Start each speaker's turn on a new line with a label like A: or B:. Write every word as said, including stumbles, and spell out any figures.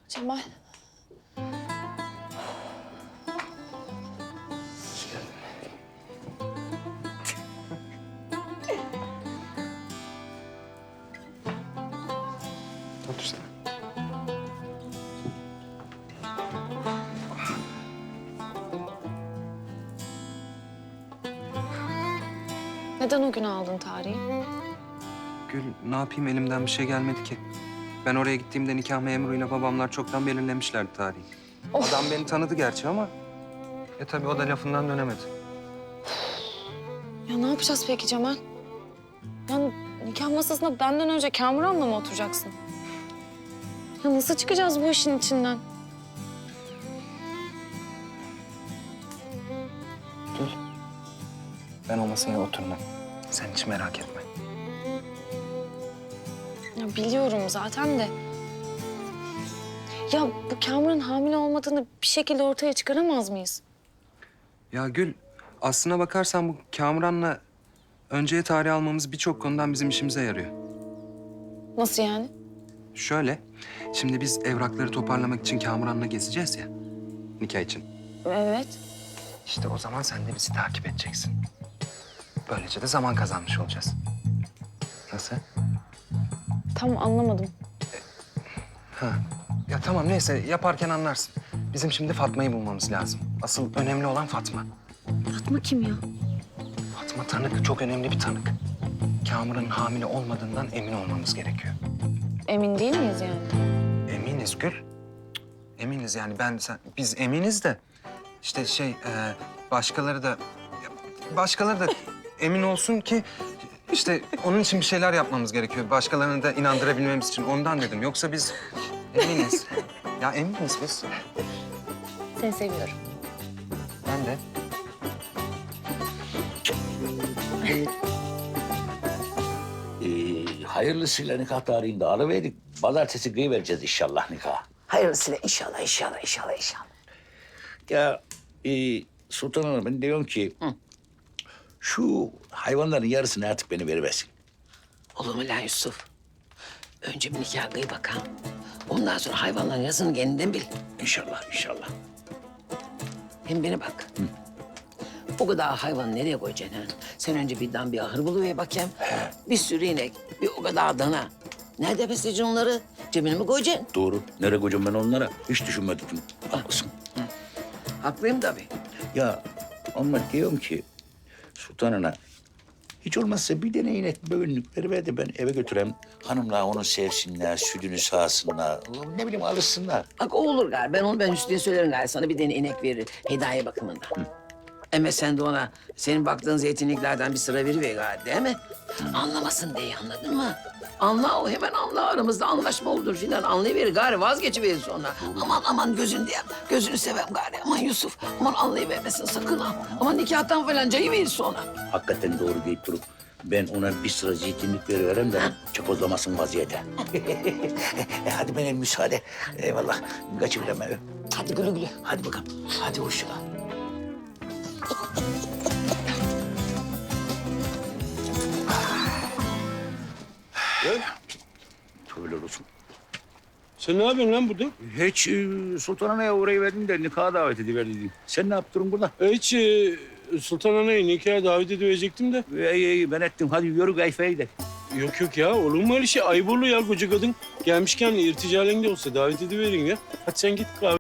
A: Cemal.
B: Otur sen.
A: Neden o gün aldın tarihi?
B: Gül, ne yapayım, elimden bir şey gelmedi ki. Ben oraya gittiğimde nikah memuruyla babamlar çoktan belirlemişlerdi tarihi.
A: Of.
B: Adam beni tanıdı gerçi ama... E tabii o da lafından dönemedi.
A: Ya ne yapacağız peki Cemal? Yani nikah masasında benden önce Kamuran'la mı oturacaksın? Ya nasıl çıkacağız bu işin içinden?
B: Gül, ben o masaya oturmam. Sen hiç merak etme.
A: Ya biliyorum zaten de. Ya bu Kamuran hamile olmadığını bir şekilde ortaya çıkaramaz mıyız?
B: Ya Gül, aslına bakarsan bu Kamuran'la önceye tarih almamız birçok konudan bizim işimize yarıyor.
A: Nasıl yani?
B: Şöyle, şimdi biz evrakları toparlamak için Kamuran'la gezeceğiz ya, nikah için.
A: Evet.
B: İşte o zaman sen de bizi takip edeceksin. Böylece de zaman kazanmış olacağız. Nasıl?
A: Tam anlamadım.
B: Ha. Ya tamam, neyse, yaparken anlarsın. Bizim şimdi Fatma'yı bulmamız lazım. Asıl önemli olan Fatma.
A: Fatma kim ya?
B: Fatma tanık, çok önemli bir tanık. Kamuran'ın hamile olmadığından emin olmamız gerekiyor.
A: Emin değil miyiz yani?
B: Eminiz Gül. Cık, Eminiz yani ben, sen, biz eminiz de... işte şey, e, başkaları da... Başkaları da emin olsun ki... işte onun için bir şeyler yapmamız gerekiyor. Başkalarını da inandırabilmemiz için. Ondan dedim. Yoksa biz eminiz. Ya eminiz biz.
A: Seni seviyorum.
B: Ben de.
C: Ee, hayırlısıyla nikah tarihini de alıverdik. Pazartesi kıyıvereceğiz inşallah nikah.
D: Hayırlısıyla inşallah, inşallah, inşallah, inşallah.
C: Ya e, Sultan Hanım, ben diyorum ki... şu hayvanların yarısını artık beni veriversin.
D: Olur mu lan Yusuf? Önce bir nikah kıy bakalım. Ondan sonra hayvanların yazını kendinden bil.
C: İnşallah, inşallah.
D: Hem beni bak. O kadar hayvanı nereye koyacaksın ha? Sen önce bir dan bir ahır buluver bakayım. Bir sürü inek, bir o kadar dana. Nerede besleyeceksin onları? Cebine mi koyacaksın?
C: Doğru. Nereye koyacağım ben onlara? Hiç düşünmedim. Haklısın.
D: Haklıyım tabii.
C: Ya ama diyorum ki Sultan Ana, hiç olmazsa bir tane inek böğünlük veriver de ben eve götüreyim. Hanımlar onu sevsinler, sütünü sağsınlar. Ne bileyim alışsınlar.
D: Bak o olur galiba. Ben onu ben Hüsnü'ye söylerim galiba. Sana bir tane inek verir. Hediye bakımından. Ama sen de ona senin baktığın zeytinliklerden bir sıra veriver galiba, değil mi? Anlamasın diye, anladın mı? Anla, o hemen anla, aramızda anlaşma olur filan. Anlayıverir gari, vazgeçiverir sonra. Aman aman gözün diye, gözünü sevem gari. Aman Yusuf, aman anlayıvermesin sakın ha. Aman nikahtan falan cayıverir sonra.
C: Hakikaten doğru deyip durup ben ona bir sıra zeytinlik veriverem de çapozlamasın vaziyete. e, hadi benim müsaade. Eyvallah. Kaçıverem eve.
D: Hadi güle güle.
C: Hadi bakalım. Hadi hoşça kal. Tövbeler olsun.
E: Sen ne yapıyorsun lan burada?
C: Hiç e, Sultan Ana'ya uğrayı verdim de nikaha davet ediverdim. Sen ne yaptın burada?
E: Hiç e, Sultan Ana'yı nikaha davet edecektim de.
C: İyi iyi ben ettim. Hadi yürü kayfaya gidelim.
E: Yok yok ya, olur mu öyle şey? Ayıp olur ya koca kadın. Gelmişken irticalen de olsa davet ediverin ya. Hadi sen git kahve.